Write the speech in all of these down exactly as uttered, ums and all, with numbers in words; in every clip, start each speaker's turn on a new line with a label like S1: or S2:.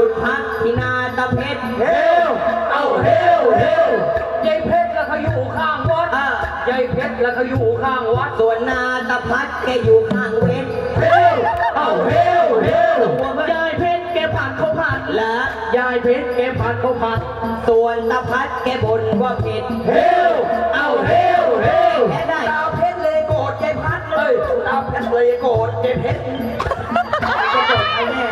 S1: ยุดพักที่นาตะเพชรเฮลเอาเฮลเฮล
S2: ยายเพชรแล้วเขาอยู่ข้างวัดยายเพชรแล้วเขาอยู่ข้างวัด
S1: ส่วนนาตะพัดแกอยู่ข้างเวทเฮลเอาเฮลเฮล
S2: ยายเพชรแกผัดเขาผัด
S1: และ
S2: ยายเพชรแกผัดเขาผัด
S1: ส่วนตะพัดแกบ่นว่าเผ็ดเฮลเอาเฮลเฮลแกได้
S2: ตาเพชรเลยโกรธยายพัดเลยตาเพชรเลยโกรธยายเพชร
S1: จะจบให้แน่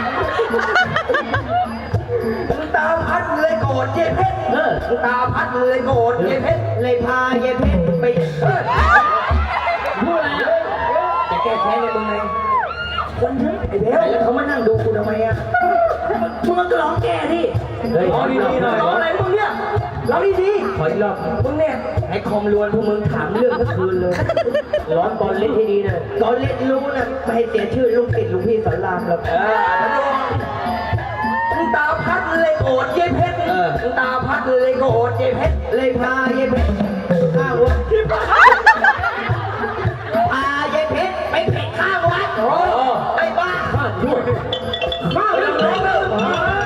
S2: ตาพัดเลยโกรธยายเพชรตาพัดเลยโกรธยายเพชร
S1: เลยพายายเพชรไปเฮ้ย
S2: พูดอะไรอ่ะ
S1: จะแก้แค้นในมึงไงคนเยอะไอ้เบลแล้วเขามานั่งดูกูทำไมอ่ะมึงก็ร้องแก้ดิ
S2: ร้องดีๆหน่อยร้องอะไรมึงเนี่ยร้องดี
S1: ขออีกรอบ
S2: ๆมึงเนี่ย
S1: ให้คอมลวนพวกมึงถามเรื่องทั้งคืนเลย
S2: ร้อนบอลเล่นให้ดีหน่อย
S1: ตอนเล่นรู้นะไม่ให้เสียชื่อลูกติดลูกพี่สอนรามหรอก
S2: เออตาพัดเลยโกรธยายเพชรตาพัดเลยโกรธยายเพชร
S1: เลยพายายเพชร